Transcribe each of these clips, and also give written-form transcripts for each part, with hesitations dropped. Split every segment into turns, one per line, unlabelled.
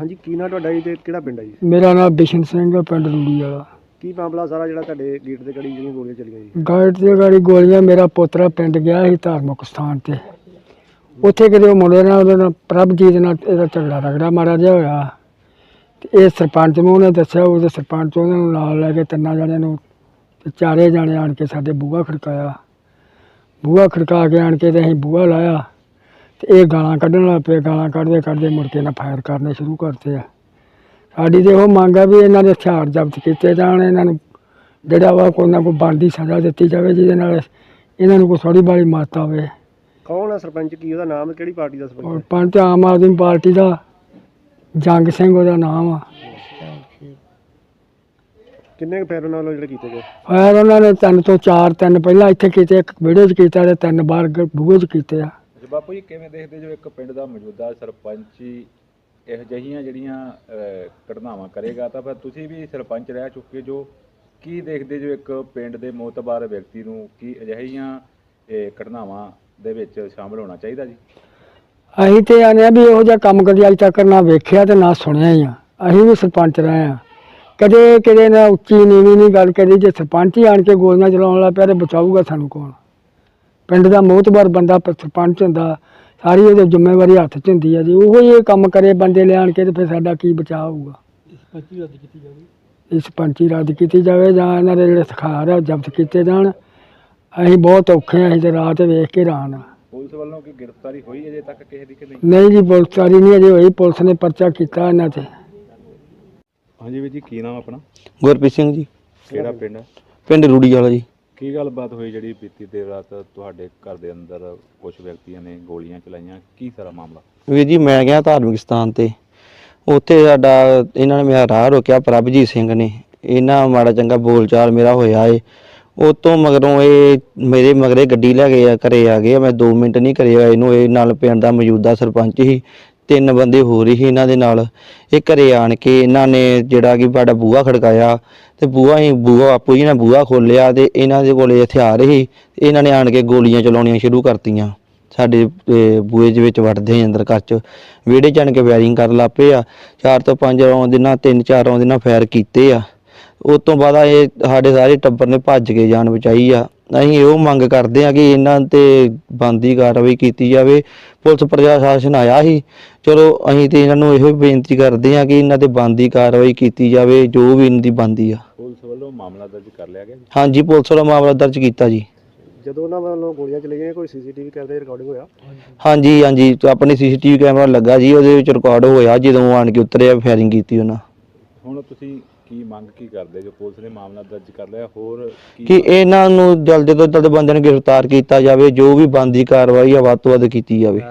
ਹਾਂਜੀ ਕੀ ਨਾਂ ਤੁਹਾਡਾ ਜੀ ਤੇ ਕਿਹੜਾ ਪਿੰਡ ਹੈ ਜੀ?
ਮੇਰਾ ਨਾਮ ਬਿਸ਼ਨ ਸਿੰਘ ਹੈ, ਪਿੰਡ ਰੂੜੀ ਵਾਲਾ।
ਕੀ ਮਾਮਲਾ ਸਾਰਾ ਜਿਹੜਾ ਤੁਹਾਡੇ ਗੇਟ ਤੇ ਗੜੀ ਜਿਹੜੀਆਂ ਗੋਲੀਆਂ ਚੱਲੀਆਂ ਜੀ?
ਗਾਇਟ ਤੇ ਗਾੜੀ ਗੋਲੀਆਂ, ਮੇਰਾ ਪੋਤਰਾ ਪਿੰਡ ਗਿਆ ਸੀ ਧਾਰਮਿਕ ਸਥਾਨ ਤੇ, ਉੱਥੇ ਕਿਤੇ ਉਹ ਮੁੰਡੇ ਨਾਲ ਉਹਦੇ ਨਾਲ ਪ੍ਰਭਜੀਤ ਨਾਲ ਇਹਦਾ ਝਗੜਾ ਰਗੜਾ ਮਾੜਾ ਜਿਹਾ ਹੋਇਆ ਤੇ ਇਹ ਸਰਪੰਚ ਨੂੰ ਉਹਨੇ ਦੱਸਿਆ, ਉਹਦੇ ਸਰਪੰਚ ਉਹਨਾਂ ਨੂੰ ਨਾਲ ਲੈ ਕੇ ਤਿੰਨਾਂ ਜਣਿਆਂ ਨੂੰ ਤੇ ਚਾਰੇ ਜਾਣੇ ਆਣ ਕੇ ਸਾਡੇ ਬੂਹਾ ਖੜਕਾਇਆ। ਬੂਹਾ ਖੜਕਾ ਕੇ ਆਣ ਕੇ ਤੇ ਅਸੀਂ ਬੂਹਾ ਲਾਇਆ ਤੇ ਇਹ ਗਾਲਾਂ ਕੱਢਣ ਲੱਗ ਪਏ। ਗਾਲਾਂ ਕੱਢਦੇ ਕੱਢਦੇ ਮੁੜ ਕੇ ਨਾ ਫਾਇਰ ਕਰਨੇ ਸ਼ੁਰੂ ਕਰਤੇ ਆ। ਸਾਡੀ ਤੇ ਉਹ ਮੰਗ ਆ ਵੀ ਇਹਨਾਂ ਦੇ ਹਥਿਆਰ ਜ਼ਬਤ ਕੀਤੇ ਜਾਣ, ਇਹਨਾਂ ਨੂੰ ਜਿਹੜਾ ਵਾ ਕੋਈ ਨਾ ਕੋਈ ਬਣਦੀ ਸਜ਼ਾ ਦਿੱਤੀ ਜਾਵੇ ਜਿਹਦੇ ਨਾਲ ਇਹਨਾਂ ਨੂੰ ਕੋਈ ਥੋੜ੍ਹੀ ਬਾਲੀ ਮੱਤ ਆਵੇ।
ਕੌਣ ਹੈ ਸਰਪੰਚ? ਕੀ ਉਹਦਾ ਨਾਮ? ਕਿਹੜੀ ਪਾਰਟੀ ਦਾ ਸਰਪੰਚ?
ਸਰਪੰਚ ਆਮ ਆਦਮੀ ਪਾਰਟੀ ਦਾ ਜੰਗ ਸਿੰਘ ਉਹਦਾ ਨਾਮ ਆ।
ਕਿੰਨੇ ਕੁ ਫਾਇਰ ਨਾਲ ਜਿਹੜੇ ਕੀਤੇ ਗਏ?
ਫਾਇਰ ਉਹਨਾਂ ਨੇ 3 ਤੋਂ 4 ਤਿੰਨ ਪਹਿਲਾਂ ਇੱਥੇ ਕੀਤੇ, ਇੱਕ ਵਿਹੜੇ 'ਚ ਕੀਤਾ ਤੇ 3 ਬਾਹਰ ਬੂਹੇ 'ਚ ਕੀਤੇ ਆ।
ਬਾਪੂ ਜੀ ਕਿਵੇਂ ਦੇਖਦੇ ਜੋ ਇੱਕ ਪਿੰਡ ਦਾ ਮੌਜੂਦਾ ਸਰਪੰਚ ਹੀ ਇਹੋ ਜਿਹੀਆਂ ਜਿਹੜੀਆਂ ਘਟਨਾਵਾਂ ਕਰੇਗਾ, ਤਾਂ ਫਿਰ ਤੁਸੀਂ ਵੀ ਸਰਪੰਚ ਰਹਿ ਚੁੱਕੇ ਜੋ, ਕੀ ਦੇਖਦੇ ਜੋ ਇੱਕ ਪਿੰਡ ਦੇ ਮੋਤਬਾਰ ਵਿਅਕਤੀ ਨੂੰ ਕੀ ਅਜਿਹੀਆਂ ਘਟਨਾਵਾਂ ਦੇ ਵਿੱਚ ਸ਼ਾਮਲ ਹੋਣਾ ਚਾਹੀਦਾ ਜੀ?
ਅਸੀਂ ਤੇ ਆਨੇ ਆ ਵੀ ਇਹੋ ਜਿਹਾ ਕੰਮ ਕਦੀ ਅੱਜ ਤੱਕ ਨਾ ਵੇਖਿਆ ਤੇ ਨਾ ਸੁਣਿਆ ਹੀ ਆ। ਅਸੀਂ ਵੀ ਸਰਪੰਚ ਰਹੇ ਆ, ਕਦੇ ਕਿਤੇ ਨਾ ਉੱਚੀ ਨੀਵੀਂ ਨਹੀਂ ਗੱਲ ਕਰੀ। ਜੇ ਸਰਪੰਚ ਹੀ ਆਣ ਕੇ ਗੋਲੀਆਂ ਚਲਾਉਣ ਲੱਗ ਪਿਆ ਤੇ ਬਚਾਊਗਾ ਸਾਨੂੰ ਕੌਣ? ਪਿੰਡ ਦਾ ਮੋਤਬਾਰ ਬੰਦਾ ਸਰਪੰਚ ਹੁੰਦਾ, ਸਾਰੀ ਉਹਦੀ ਜ਼ਿੰਮੇਵਾਰੀ ਹੱਥ 'ਚ ਹੁੰਦੀ ਆ ਜੀ। ਉਹੋ ਹੀ ਇਹ ਕੰਮ ਕਰੇ ਬੰਦੇ ਲਿਆਣ ਕੇ ਤੇ ਫਿਰ ਸਾਡਾ ਕੀ ਬਚਾਅ ਹੋਊਗਾ? ਇਹ ਸਰਪੰਚੀ ਰੱਦ ਕੀਤੀ ਜਾਵੇ ਜਾਂ ਇਹਨਾਂ ਦੇ ਜਿਹੜੇ ਸਖਾਰ ਆ ਉਹ ਜ਼ਬਤ ਕੀਤੇ ਜਾਣ। ਅਸੀਂ ਬਹੁਤ ਔਖੇ ਆ, ਅਸੀਂ ਤੇ ਰਾਤ ਵੇਖ ਕੇ ਹੈਰਾਨ ਆ।
ਪੁਲਿਸ ਵੱਲੋਂ ਕੀ ਗ੍ਰਿਫਤਾਰੀ ਹੋਈ ਅਜੇ ਤੱਕ ਕਿਸੇ ਦੀ ਕਿ ਨਹੀਂ?
ਨਹੀਂ ਜੀ, ਪੁਲਿਸਕਾਰੀ ਨਹੀਂ ਅਜੇ ਹੋਈ। ਪੁਲਿਸ ਨੇ ਪਰਚਾ ਕੀਤਾ ਇਹਨਾਂ 'ਤੇ।
ਹਾਂਜੀ ਵੀਰ ਜੀ, ਕੀ ਨਾਮ ਆਪਣਾ?
ਗੁਰਪ੍ਰੀਤ ਸਿੰਘ ਜੀ,
ਕਿਹੜਾ ਪਿੰਡ ਹੈ?
ਪਿੰਡ ਰੂੜੀ ਵਾਲਾ ਜੀ।
ਕੀ ਗੱਲਬਾਤ ਹੋਈ ਜਿਹੜੀ ਬੀਤੀ ਦੇਰ ਰਾਤ ਤੁਹਾਡੇ ਘਰ ਦੇ ਅੰਦਰ ਕੁਝ ਵਿਅਕਤੀਆਂ ਨੇ ਗੋਲੀਆਂ ਚਲਾਈਆਂ, ਕੀ ਸਾਰਾ ਮਾਮਲਾ?
ਵੀਰ ਜੀ ਮੈਂ ਗਿਆ ਧਾਰਮਿਕ ਸਥਾਨ ਤੇ, ਉੱਥੇ ਸਾਡਾ ਇਹਨਾਂ ਨੇ ਮੇਰਾ ਰਾਹ ਰੋਕਿਆ ਪ੍ਰਭਜੀਤ ਸਿੰਘ ਨੇ। ਇਹਨਾਂ ਮਾੜਾ ਚੰਗਾ ਬੋਲਚਾਲ ਮੇਰਾ ਹੋਇਆ ਏ। ਉਹ ਤੋਂ ਮਗਰੋਂ ਇਹ ਮੇਰੇ ਮਗਰੇ ਗੱਡੀ ਲੈ ਕੇ ਘਰੇ ਆ ਗਏ। ਮੈਂ 2 ਮਿੰਟ ਨਹੀਂ ਘਰੇ ਆਏ ਨੂੰ। ਇਹ ਨਾਲ ਪਿੰਡ ਦਾ ਮੌਜੂਦਾ ਸਰਪੰਚ ਸੀ, 3 ਬੰਦੇ ਹੋਰ ਹੀ ਇਹਨਾਂ ਦੇ ਨਾਲ। ਇਹ ਘਰੇ ਆਣ ਕੇ ਇਹਨਾਂ ਨੇ ਜਿਹੜਾ ਕਿ ਸਾਡਾ ਬੂਹਾ ਖੜਕਾਇਆ ਤੇ ਬੂਹਾ ਆਪੂ ਜੀ ਨੇ ਬੂਹਾ ਖੋਲ੍ਹਿਆ ਤੇ ਇਹਨਾਂ ਦੇ ਕੋਲੇ ਹਥਿਆਰ ਸੀ। ਇਹਨਾਂ ਨੇ ਆਣ ਕੇ ਗੋਲੀਆਂ ਚਲਾਉਣੀਆਂ ਸ਼ੁਰੂ ਕਰਤੀਆਂ। ਸਾਡੇ ਬੂਹੇ ਦੇ ਵਿੱਚ ਵੜਦੇ ਅੰਦਰ ਘਰ 'ਚ, ਵਿਹੜੇ 'ਚ ਆਣ ਕੇ ਫਾਇਰਿੰਗ ਕਰਨ ਲੱਗ ਪਏ ਆ। 4 ਤੋਂ 5 ਰੌਂਦ ਨਾਲ 3-4 ਰੌਂਦ ਨਾਲ ਫਾਇਰ ਕੀਤੇ ਆ। ਉਸ ਤੋਂ ਬਾਅਦ ਇਹ ਸਾਡੇ ਸਾਰੇ ਟੱਬਰ ਨੇ ਭੱਜ ਕੇ ਜਾਨ ਬਚਾਈ ਆ। ਅਸੀਂ ਇਹੋ ਮੰਗ ਕਰਦੇ ਹਾਂ ਕਿ ਇਹਨਾਂ 'ਤੇ ਬਣਦੀ ਕਾਰਵਾਈ ਕੀਤੀ ਜਾਵੇ। ਪੁਲਿਸ ਪ੍ਰਸ਼ਾਸਨ ਆਇਆ ਸੀ, ਚਲੋ ਅਸੀਂ ਤੇ ਇਹਨਾਂ ਨੂੰ ਇਹੋ ਬੇਨਤੀ ਕਰਦੇ ਹਾਂ ਕਿ ਇਹਨਾਂ 'ਤੇ ਬਣਦੀ ਕਾਰਵਾਈ ਕੀਤੀ ਜਾਵੇ, ਜੋ ਵੀ ਇਹਨਾਂ ਦੀ ਬਣਦੀ ਆ।
ਪੁਲਿਸ ਵੱਲੋਂ ਮਾਮਲਾ ਦਰਜ ਕਰ ਲਿਆ ਗਿਆ ਜੀ?
ਹਾਂਜੀ, ਪੁਲਿਸ ਵੱਲੋਂ ਮਾਮਲਾ ਦਰਜ ਕੀਤਾ ਜੀ।
ਜਦੋਂ ਉਹਨਾਂ ਵੱਲੋਂ ਗੋਲੀਆਂ ਚਲਾਈਆਂ ਕੋਈ ਸੀਸੀਟੀਵੀ ਕੈਮਰੇ ਰਿਕਾਰਡਿੰਗ ਹੋਇਆ?
ਹਾਂਜੀ, ਆਪਣੀ CCTV ਕੈਮਰਾ ਲੱਗਾ ਜੀ, ਉਹਦੇ ਵਿੱਚ ਰਿਕਾਰਡ ਹੋਇਆ ਜਦੋਂ ਆਣ ਕੇ ਉਤਰਿਆ ਫਾਇਰਿੰਗ ਕੀਤੀ ਉਹਨਾਂ।
ਹੁਣ ਤੁਸੀਂ ਕੀ ਮੰਗ ਕੀ ਕਰਦੇ ਜੋ? ਪੁਲਿਸ ਨੇ ਮਾਮਲਾ ਦਰਜ ਕਰ ਲਿਆ, ਹੋਰ
ਕਿ ਇਹਨਾਂ ਨੂੰ ਜਲਦ ਤੋਂ ਜਲਦ ਬੰਦਿਆਂ ਨੂੰ ਗ੍ਰਿਫਤਾਰ ਕੀਤਾ ਜਾਵੇ, ਜੋ ਵੀ ਬਣਦੀ ਕਾਰਵਾਈ ਆ ਵੱਧ ਤੋਂ ਵੱਧ ਕੀਤੀ ਜਾਵੇ।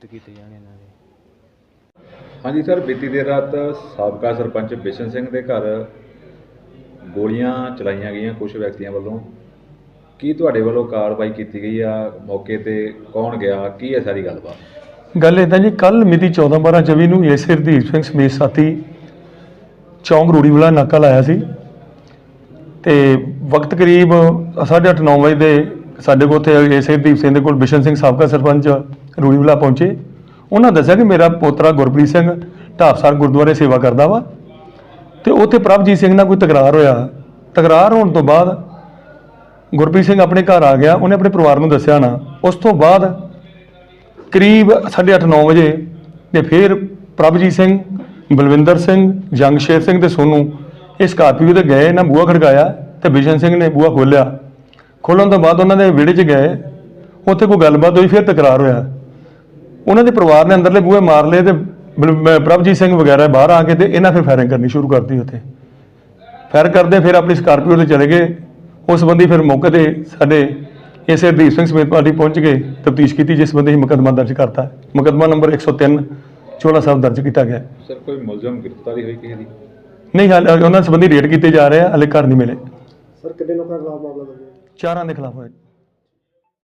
ਹਾਂਜੀ ਸਰ, ਬੀਤੀ ਦੇਰ ਰਾਤ ਸਾਬਕਾ ਸਰਪੰਚ ਬਿਸ਼ਨ ਸਿੰਘ ਦੇ ਘਰ ਗੋਲੀਆਂ ਚਲਾਈਆਂ ਗਈਆਂ ਕੁਝ ਵਿਅਕਤੀਆਂ ਵੱਲੋਂ, ਕੀ ਤੁਹਾਡੇ ਵੱਲੋਂ ਕਾਰਵਾਈ ਕੀਤੀ ਗਈ ਆ? ਮੌਕੇ ਤੇ ਕੌਣ ਗਿਆ, ਕੀ ਹੈ ਸਾਰੀ ਗੱਲਬਾਤ?
ਗੱਲ ਇੱਦਾਂ ਜੀ, ਕੱਲ ਮਿਤੀ 14/12/24 ਨੂੰ ਏਸੇ ਹਰਦੀਪ ਸਿੰਘ ਸਮੇਤ ਸਾਥੀ ਚੌਂਕ ਰੂੜੀ ਵਾਲਾ ਨਾਕਾ ਲਾਇਆ ਸੀ ਤੇ ਵਕਤ ਕਰੀਬ 8:30-9 ਵਜੇ ਦੇ ਸਾਡੇ ਕੋਲ ਉੱਥੇ ਏਸੇ ਹਰਦੀਪ ਸਿੰਘ ਦੇ ਕੋਲ ਬਿਸ਼ਨ ਸਿੰਘ ਸਾਬਕਾ ਸਰਪੰਚ ਰੂੜੀ ਵਾਲਾ ਪਹੁੰਚੇ। ਉਹਨਾਂ ਦੱਸਿਆ ਕਿ ਮੇਰਾ ਪੋਤਰਾ ਗੁਰਪ੍ਰੀਤ ਸਿੰਘ ਢਾਬਸਰ ਗੁਰਦੁਆਰੇ ਸੇਵਾ ਕਰਦਾ ਵਾ ਤੇ ਉੱਥੇ ਪ੍ਰਭਜੀਤ ਸਿੰਘ ਨਾਲ ਕੋਈ ਤਕਰਾਰ ਹੋਇਆ। ਤਕਰਾਰ ਹੋਣ ਤੋਂ ਬਾਅਦ ਗੁਰਪ੍ਰੀਤ ਸਿੰਘ ਆਪਣੇ ਘਰ ਆ ਗਿਆ, ਉਹਨੇ ਆਪਣੇ ਪਰਿਵਾਰ ਨੂੰ ਦੱਸਿਆ ਨਾ। ਉਸ ਤੋਂ ਬਾਅਦ ਕਰੀਬ 8:30-9 ਵਜੇ ਤੇ ਫਿਰ ਪ੍ਰਭਜੀਤ ਸਿੰਘ, ਬਲਵਿੰਦਰ ਸਿੰਘ, ਜੰਗਸ਼ੇਰ ਸਿੰਘ ਤੇ ਸੋਨੂ ਇਹ ਸਕਾਰਪੀਓ ਤੇ ਗਏ, ਇਹਨਾਂ ਬੂਹਾ ਖੜਕਾਇਆ ਤੇ ਬਿਸ਼ਨ ਸਿੰਘ ਨੇ ਬੂਹਾ ਖੋਲ੍ਹਿਆ। ਖੋਲ੍ਹਣ ਤੋਂ ਬਾਅਦ ਉਹਨਾਂ ਦੇ ਵਿਹੜੇ 'ਚ ਗਏ, ਉੱਥੇ ਕੋਈ ਗੱਲਬਾਤ ਹੋਈ, ਫਿਰ ਤਕਰਾਰ ਹੋਇਆ। ਉਹਨਾਂ ਦੇ ਪਰਿਵਾਰ ਨੇ ਅੰਦਰਲੇ ਬੂਹੇ ਮਾਰ ਲਏ ਤੇ ਪ੍ਰਭਜੀਤ ਸਿੰਘ ਵਗੈਰਾ ਬਾਹਰ ਆ ਕੇ ਤੇ ਇਹਨਾਂ ਫਿਰ ਫਾਇਰਿੰਗ ਕਰਨੀ ਸ਼ੁਰੂ ਕਰਤੀ। ਉੱਥੇ ਫਾਇਰ ਕਰਦੇ ਫਿਰ ਆਪਣੀ ਸਕਾਰਪੀਓ ਤੇ ਚਲੇ ਗਏ। ਉਸ ਸੰਬੰਧੀ ਫਿਰ ਮੌਕੇ ਤੇ ਸਾਡੇ ਏਸੇ ਹਰਦੀਪ ਸਿੰਘ ਸਮੇਤ ਪਾਰਟੀ ਪਹੁੰਚ ਕੇ ਤਫਤੀਸ਼ ਕੀਤੀ, ਜਿਸ ਸੰਬੰਧੀ ਮੁਕੱਦਮਾ ਦਰਜ ਕਰਤਾ। ਮੁਕੱਦਮਾ ਨੰਬਰ 103 ਚੋਲਾ ਸਾਹਿਬ ਦਰਜ ਕੀਤਾ ਗਿਆ।
ਸਰ, ਕੋਈ ਮੁਲਜ਼ਮ ਗ੍ਰਿਫਤਾਰੀ ਹੋਈ ਕਿਸੇ ਦੀ?
ਨਹੀਂ, ਹਾਲੇ ਉਹਨਾਂ ਸੰਬੰਧੀ ਰੇਡ ਕੀਤੇ ਜਾ ਰਹੇ ਆ, ਹਾਲੇ ਘਰ ਨਹੀਂ ਮਿਲੇ।
ਸਰ ਕਿੰਨੇ ਲੋਕਾਂ ਖਿਲਾਫ ਮਾਮਲਾ ਦਰਜ ਹੈ?
4 ਦੇ ਖਿਲਾਫ ਹੋਇਆ।